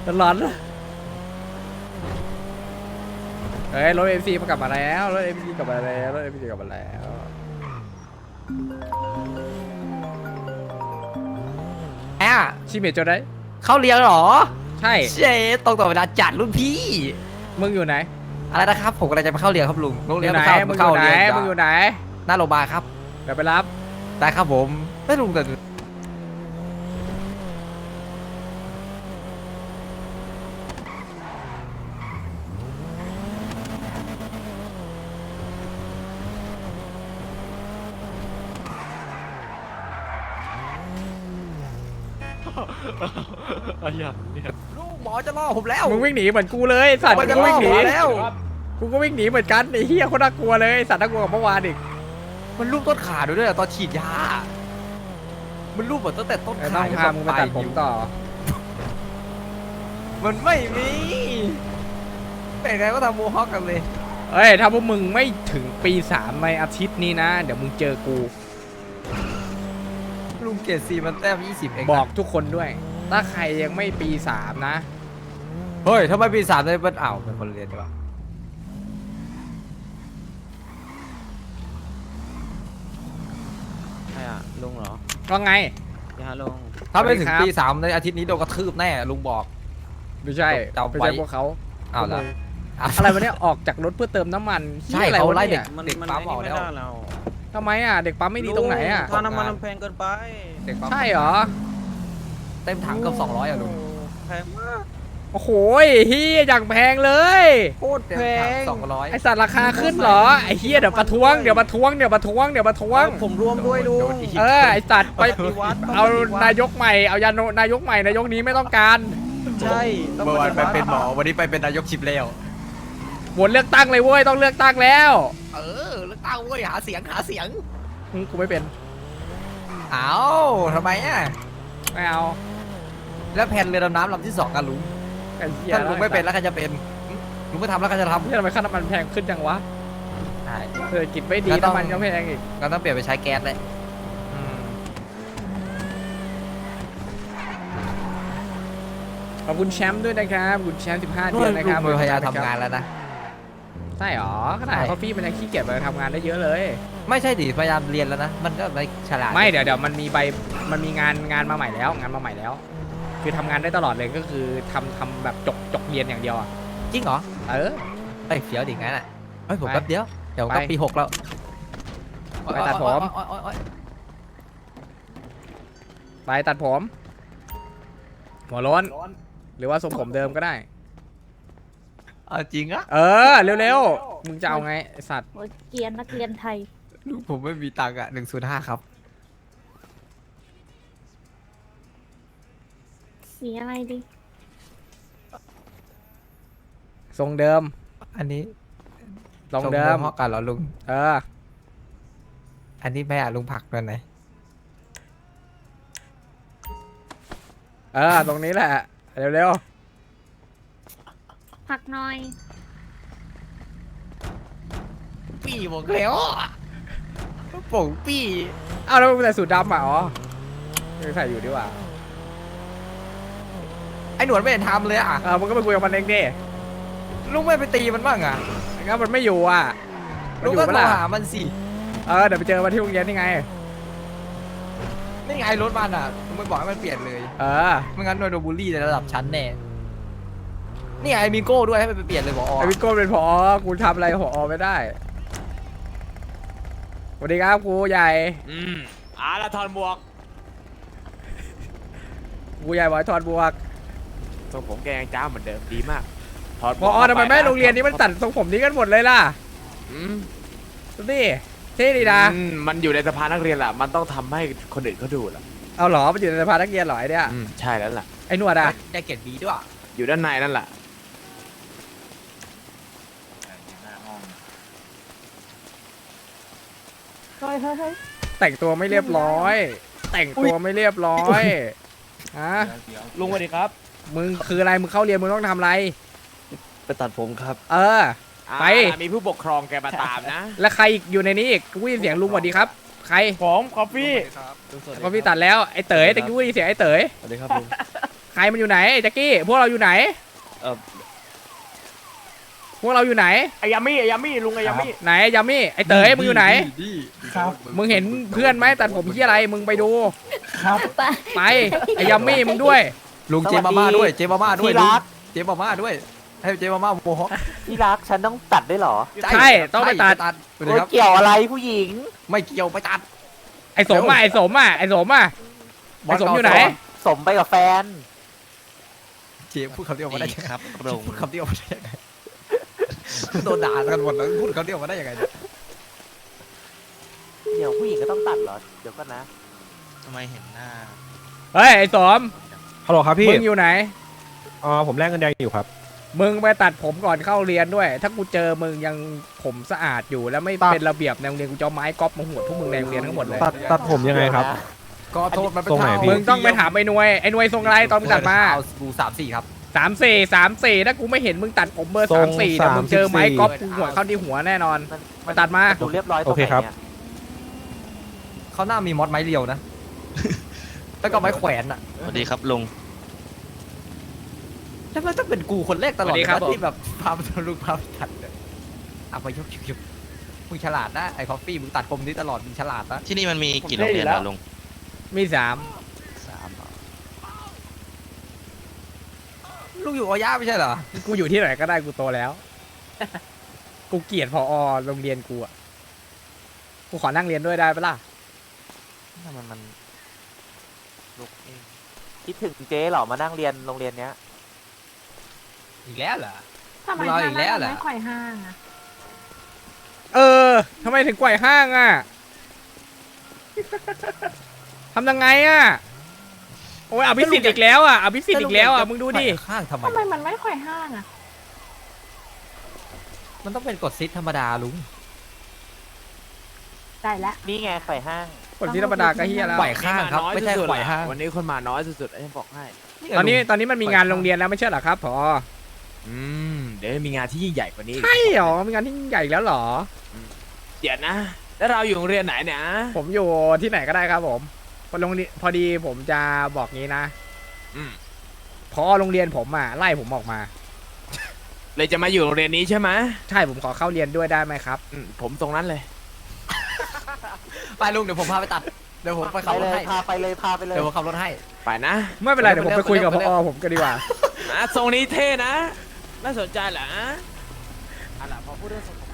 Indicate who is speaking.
Speaker 1: ร้อนเฮ้ยรถเอ็มซีมากลับมาแล้วรถเอ็มซีกลับมาแล้วรถเอ็มซีกลับมาแล้วชิเมจโจได้
Speaker 2: เข้าเรียนเหรอ
Speaker 1: ใช่
Speaker 2: เจ๊ตรงต่อเวลาจัดรุ่นพี่
Speaker 1: มึงอยู่ไหน
Speaker 2: อะไรนะครับผมกำลังจะไปเข้าเรียนครับลุงโรงเรียน
Speaker 1: ไหน
Speaker 2: เข้า
Speaker 1: มึงอ
Speaker 2: เข้า
Speaker 1: ยู่ไหน
Speaker 2: เรียน
Speaker 1: มึงอยู่ไหน
Speaker 2: หน้าโรงพยาบาลครับ
Speaker 1: เดี๋ยวไปรับ
Speaker 2: ได้ครับผมไม่ลุงแต่ลูกหมอจะล่อผมแล้ว
Speaker 1: มึงวิ่งหนีเหมือนกูเลยสัตว์
Speaker 2: มัน
Speaker 1: กู
Speaker 2: จะ
Speaker 1: ก็
Speaker 2: ล่อ
Speaker 1: วิ่งห
Speaker 2: ผ
Speaker 1: นี
Speaker 2: มแล้ว
Speaker 1: กูก็วิ่งหนีเหมือนกันไอ้เหี้ยโคนน่ากลัวเลยสัตว์น่ากลัวกว่าเมื่อวานอีก
Speaker 2: มันรูปต้นขาด้วยตอนฉีดยา มันรูปหมดตั้งแต่ต้น
Speaker 1: ต้
Speaker 2: ขา
Speaker 1: องพามึงไปตัดผมต่อ
Speaker 2: มันไม่มีเป็นไงก็ทำโมฮอคกันเลย
Speaker 1: เอ้ยถ้าพวกมึงไม่ถึงปี3ในอาทิตย์นี้นะเดี๋ยวมึงเจอกู
Speaker 2: ลุงเกศซีมันแต้ม20เองนะ
Speaker 1: บอกทุกคนด้วย ถ้าใครยังไม่ปี3นะ
Speaker 2: เฮ้ยทำไมปี3ได้เป็นอ้าวเป็นคนเรียนใช่ปะ
Speaker 3: ใช่อ่ะลุงเหรอ
Speaker 1: ก็ไง
Speaker 3: ยาลุง
Speaker 2: ถ้าไม่ถึง
Speaker 1: สวัสดีครับ
Speaker 2: ปี3ในอาทิตย์นี้โดนกระทืบแน่ลุงบอก
Speaker 1: ไม่ใช่
Speaker 2: จำไว้
Speaker 1: ไม่ใช่พวกเขา
Speaker 2: อ้าวเหรอ
Speaker 1: อะไรวะเนี่ยออกจากรถเพื่อเติมน้ำมัน
Speaker 2: ใช่
Speaker 1: หี้ยอะไร
Speaker 2: เขา
Speaker 1: วะ
Speaker 2: ไล่
Speaker 1: เนี่ย
Speaker 3: มัน
Speaker 2: เด็ก
Speaker 3: มัน
Speaker 2: ปั๊ม
Speaker 3: ไอ้
Speaker 2: ออก
Speaker 3: นี่
Speaker 2: แล้ว
Speaker 3: ไม่ได้แล้ว
Speaker 1: ทำไมอ่ะเด็กปั๊มไม่ดีตรงไหนอ่ะ
Speaker 3: ค่าน้ำมันมันแพงเกินไป
Speaker 2: เด็กปั๊ม
Speaker 1: ใช่เหรอ
Speaker 2: เต็มถังเกือบ200อ่ะลุง
Speaker 3: แพงมาก
Speaker 1: โอ้โหเฮียอย่างแพงเลย
Speaker 3: โคตร
Speaker 2: เต็ม
Speaker 3: แพ
Speaker 2: ถัง
Speaker 3: ง
Speaker 2: 200
Speaker 1: ไอสัตว์ราคาขึ้นเหรอไอเฮียเดี๋ยวประท้วงเดี๋ยวประท้วงเดี๋ยวประท้วงเดี๋ยวประท้วง
Speaker 3: ผมรวมด้วยลุง
Speaker 1: ไอสัตว์ไป
Speaker 3: ปฏิวัติ
Speaker 1: เอานายกใหม่เอานายกใหม่นายกนี้ไม่ต้องการ
Speaker 3: ใช่ต้อง
Speaker 2: เมื่อวาน
Speaker 3: ฏิ
Speaker 2: ไป
Speaker 3: วัติ
Speaker 2: เป็นหมอวันนี้ไปเป็นนายกชิปแล้ว
Speaker 1: โหวตเลือกตั้งเลยเว้ยต้องเลือกตั้งแล้ว
Speaker 2: เออเลือกตั้งเว้ยหาเสียง
Speaker 1: กูไม่เป็น
Speaker 2: อ้าทำไมอ่ะ
Speaker 1: ไม่เอา
Speaker 2: แล้วแผ่นเรือดำน้ำลำที่2กันลุง
Speaker 1: ไอ้เหี้ย
Speaker 2: ถ้าลุงไม่เป็นแล้วใครจะเป็นลุงไม่ทำแล้วใครจะทำ
Speaker 1: เหี้ยทำไมค่าน้ำมันแพงขึ้นจังวะ
Speaker 2: ใช่
Speaker 1: เศรษฐกิจไม่ดี
Speaker 2: ก็ต้อง
Speaker 1: น้ำมันก็แพงอีก
Speaker 2: ก็ต้องเปลี่ยนไปใช้แก๊สเลย
Speaker 1: ขอบคุณแชมป์ด้วยนะครับขอบคุณแชมป์15
Speaker 2: ลุ
Speaker 1: เดือนนะครับ
Speaker 2: งพยายามทำงานแล้วนะ
Speaker 1: ใช่หรอขนาด
Speaker 2: ใช่
Speaker 1: คอฟฟี่มันยังขี้เกียจไปทำงานได้เยอะเลย
Speaker 2: ไม่ใช่ดิพยายามเรียนแล้วนะมันก็ไม่ฉลาด
Speaker 1: ไม่เดี๋ยวมันมีมันมีงานมาใหม่แล้วงานมาใหม่แล้ว คือทำงานได้ตลอดเลยก็คือทำแบบจกเรียนอย่างเดียวอ่ะ
Speaker 2: จริงเหรอ
Speaker 1: เออ
Speaker 2: เอ้ยเฟี้ยวดิงั้นอ่ะเฮ้ยผม
Speaker 1: ไป
Speaker 2: แป๊บเดียวเดี๋ยวก็
Speaker 1: ไป
Speaker 2: ปี6แล้ว
Speaker 1: ไปตัดผม
Speaker 2: โอ๊ย
Speaker 1: ไปตัดผมหัวโล้นหรือว่าทรงผมเดิมก็ได้
Speaker 2: เอาจริงอะ
Speaker 1: เออเร็วๆมึงจะเอาไงไอ้สัตว์
Speaker 4: โอ้ยเกรียนนักเรียนไทย
Speaker 2: ลูกผมไม่มีตังค์อะ105ครับ
Speaker 4: สีอะไรดี
Speaker 1: ทรงเดิม
Speaker 2: อันนี้
Speaker 1: ทรงเดิม
Speaker 2: เพราะกันเหรอลุง
Speaker 1: เออ
Speaker 2: อันนี้แม่ลุงผักตัวไหน
Speaker 1: ตรงนี้แหละเร็ว
Speaker 4: ผักหน่อย
Speaker 2: ปีบอกแล้วอะโป่งปี
Speaker 1: ๆเอาแล้วมึงใส่สูทดำอ่ะอ๋อไม่ใส่อยู่ดีกว่า
Speaker 2: ไอ้หนวดไม่เห็นทำเลยอะ
Speaker 1: มึงก็ไปคุยกับมันเองดิ
Speaker 2: ลุงไม่ไปตีมันบ้างอะ
Speaker 1: งั้นมันไม่อยู่อ่ะมัน
Speaker 2: ลุง
Speaker 1: อยู่
Speaker 2: ก็
Speaker 1: ปะ
Speaker 2: โทร
Speaker 1: ล่ะ
Speaker 2: หามันสิ
Speaker 1: เดี๋ยวไปเจอมันที่โรงเรียนนี่ไง
Speaker 2: นี่ไงรถมันอะลุงไม่บอกให้มันเปลี่ยนเลย ไม่งั้นโดนบูลลี่ในระดับชั้นแน่นี่ไงมีโก้ด้วยให้มันไปเปลี่ยนเลยบอก
Speaker 1: ไอวิโก้เป็นผอกูทำอะไรผอไม่ได้สวัสดีครับครูใหญ่
Speaker 3: ละทอนบวก
Speaker 1: ครูใหญ่บอกให้ถอดบวก
Speaker 3: ทรงผมแกยังจ้าเหมือนเดิมดีมากถอด
Speaker 1: ผอทำไมแม่โรงเรียนนี้มันตัดทรงผมนี้กันหมดเลยล่ะ
Speaker 3: อืม
Speaker 1: ดูดิเท่ดีนะ
Speaker 3: มันอยู่ในสภานักเรียนแหละมันต้องทำให้คนอื่นเขาดูแหละ
Speaker 1: เอาเหรอมันอยู่ในสภานักเรียนเหรอไอเนี่ย
Speaker 3: ใช่แล้วล่ะ
Speaker 1: ไอหนวดอ่ะ
Speaker 2: แจ็คเก็ตบีด้วย
Speaker 3: อยู่ด้านในนั่นแหละ
Speaker 4: เฮ้ยเฮ้ยเฮ้ย
Speaker 1: แต่งตัวไม่เรียบร้อย แต่งตัวไม่เรียบร้อยฮะ
Speaker 3: ลุงสวัสดีครับ
Speaker 1: มึงคืออะไรมึงเข้าเรียนมึงต้องทำอะไร
Speaker 3: ไปตัดผมครับ
Speaker 1: ไป
Speaker 3: มีผู้ปกครองแกมาตามนะ
Speaker 1: แล้วใครอีกอยู่ในนี้อีกกูได้ยินเสียงลุงสวัสดีครับ ใคร
Speaker 3: ผมคอฟฟี่
Speaker 1: ก็พี่ตัดแล้วไอเต๋ยแต่กูได้ยินเสียงไอเต๋ย
Speaker 3: สวัสดีครับลุง
Speaker 1: ใครมันอยู่ไหนไอ้แจ็คกี้พวกเราอยู่ไหนพวกเราอยู่ไหน
Speaker 3: ไอ้ยามี่ลุงไอ้ยามี่
Speaker 1: ไหนยามี่ไอ้เต๋อมึงอยู่ไหน
Speaker 5: ครับ
Speaker 1: มึงเห็นเพื่อนไหมตัดผมที่อะไรมึงไปดู
Speaker 5: ครับ
Speaker 4: ไป
Speaker 1: ไปไอ้ยามี่มึงด้วย
Speaker 2: ลุงเจมาม่าด้วยเจมาม่าด้วย
Speaker 6: ที่รัก
Speaker 2: เจมาม่าด้วยให้เจมาม่าโมฮอค
Speaker 6: ที่รักฉันต้องตัดด้วยเหรอ
Speaker 1: ใช่ต้องไปตัด
Speaker 2: ไปเลย
Speaker 6: โอ้ย
Speaker 2: ครับ
Speaker 6: เกี่ยวอะไรผู้หญิง
Speaker 2: ไม่เกี่ยวไปตัด
Speaker 1: ไอ้สมอ่ะไอ้สมอ่ะไอ้สมอ่ะไอ้สมอยู่ไหน
Speaker 6: สมไปกับแฟน
Speaker 2: เจพูดคำเดียวมาได้ยังไง
Speaker 7: ครับลง
Speaker 2: พูดคำเดียวมาได้ยังไงโดนด่ากันหมดแล้วพูดคำเดียวมาได้ยังไงเนี่ย
Speaker 6: เดี๋ยวผู้หญิงก็ต้องตัดเหรอ เดี๋ยวก่อนนะ
Speaker 7: ทำไมเห็นหน้า
Speaker 1: เฮ้ยไอ้สม
Speaker 5: ฮัลโหลครับพี่
Speaker 1: มึงอยู่ไหน
Speaker 5: ผมแลกเงินแดงอยู่ครับ
Speaker 1: มึงไปตัดผมก่อนเข้าเรียนด้วย ถ้ากูเจอมึงยังผมสะอาดอยู่แล้วไม่
Speaker 5: ตัด
Speaker 1: เป็นระเบียบในโรงเรียนกูจะเอาไม้ก๊อปมาหัวดพวกมึงในโรงเรียนทั้งหมดเลย
Speaker 5: ตัดผมยังไงครับ
Speaker 2: ก็โทษมันเป็น
Speaker 5: ตรงไหน
Speaker 2: เท่า
Speaker 5: พี่
Speaker 1: มึงต้องไปถามไอ้หน่วยไอ้หน่วยทรงอะไรตอนมึงตัดมา
Speaker 2: เอากู34ครับ
Speaker 1: 34ถ้ากูไม่เห็นมึงตัดผมเบอร์
Speaker 5: ทรง
Speaker 1: 34แต่มึงเจอไม้
Speaker 5: 34
Speaker 1: ก๊อปกูหัวเข้าที่หัวแน่นอน
Speaker 6: มัน
Speaker 1: ตัดมา
Speaker 6: ดูเรียบร้อยตรง
Speaker 5: โอเค
Speaker 6: ไหน
Speaker 5: ครับ
Speaker 6: เนี่ย
Speaker 2: เขาหน้ามีมอสไม้เรียวนะ แล้วก็ไม้แขวนอ่ะ
Speaker 7: สวัสดีครับลุง
Speaker 2: แล้วมันต้องเป็นกูคนแรกตลอด
Speaker 1: สวัสดีครับ
Speaker 2: เลยนะที่แบบพาไปทะลุพาไปตัดเนี่ยเอาไปยกมึงฉลาดนะไอ้คอฟฟี่มึงตัดผมนี้ตลอดมึงฉลาดนะ
Speaker 7: ที่นี่มันมีกี่โรงเรียนเหรอลุง
Speaker 1: มี3
Speaker 7: 3เหรอ
Speaker 2: ลูกอยู่อย่าไม่ใช่เหรอ
Speaker 1: กูอยู่ที่ไหนก็ได้กูโตแล้ว กูเกลียดพอโรงเรียนกูอ่ะกูขอนั่งเรียนด้วยได้ปะล่ะ
Speaker 7: ทำไมมันลุกเอง
Speaker 6: คิดถึงเจ๊เหรอ มานั่งเรียนโรงเรียนเนี้ย
Speaker 2: อีกแล้วเหรอ
Speaker 4: ทำไม
Speaker 2: เราอีกแล้วเหรอ
Speaker 4: ไม่ค่อยห้างอะ
Speaker 1: เออทำไมถึงไกว่ห้างอ่ะ ทำยังไงอ่ะ โอ้ยอภิสิทธิ์อีกแล้วอ่ะอภิสิทธิ์อีกแล้วอ่ะมึงดูดิ
Speaker 2: ข้างทำไม
Speaker 4: ทำไมมันไม่ค่อยห้างอะ
Speaker 2: มันต้องเป็นกดซิทธรรมดาลุง
Speaker 4: ได้แล้ว
Speaker 6: นี่ไงไข่ห้าง
Speaker 1: คนที่ธรรมดาก็เฮียแล้ว
Speaker 2: ไหวข้างครับ ไม่ใช่ไหวห้าง
Speaker 3: วันนี้คนมาน้อยสุดๆไอ้บอกให้
Speaker 1: ตอนนี้มันมีงานโรงเรียนแล้วไม่ใช่เหรอครับพอ
Speaker 3: เดี๋ยวมีงานที่ยิ่งใหญ่กว่านี้อีก
Speaker 1: ใช่เหรอมีงานที่ยิ่งใหญ่อีกแล้วเหรอ
Speaker 3: เดี๋ยวนะ แล้วเราอยู่โรงเรียนไหนเนี่ย
Speaker 1: ผมอยู่ที่ไหนก็ได้ครับผมโรงเรียนพอดีผมจะบอกงี้นะ
Speaker 3: อืม
Speaker 1: พอโรงเรียนผมอ่ะไล่ผมออกมา
Speaker 3: เลยจะมาอยู่โรงเรียนนี้ใช่ไหม
Speaker 1: ใช่ผมขอเข้าเรียนด้วยได้ไหมครับ
Speaker 3: ผมตรงนั้นเลย
Speaker 2: ไปลุงเดี๋ยวผมพาไปตัด เดี๋ยวผมไป
Speaker 6: ไป
Speaker 2: ขับร
Speaker 6: เล
Speaker 2: ถ
Speaker 6: ย
Speaker 2: ให้
Speaker 6: พาไปเลยพาไปเลย
Speaker 2: เดี๋ยวผมขับรถให้
Speaker 3: ไปนะ
Speaker 1: ไม่เป็นไรเดี๋ยวผมไปคุยกับพอผมกันดีกว่า
Speaker 3: ทรงนี้เท่นะ น่าสนใจเหรออะไรพอพูดเรื่องทรงผม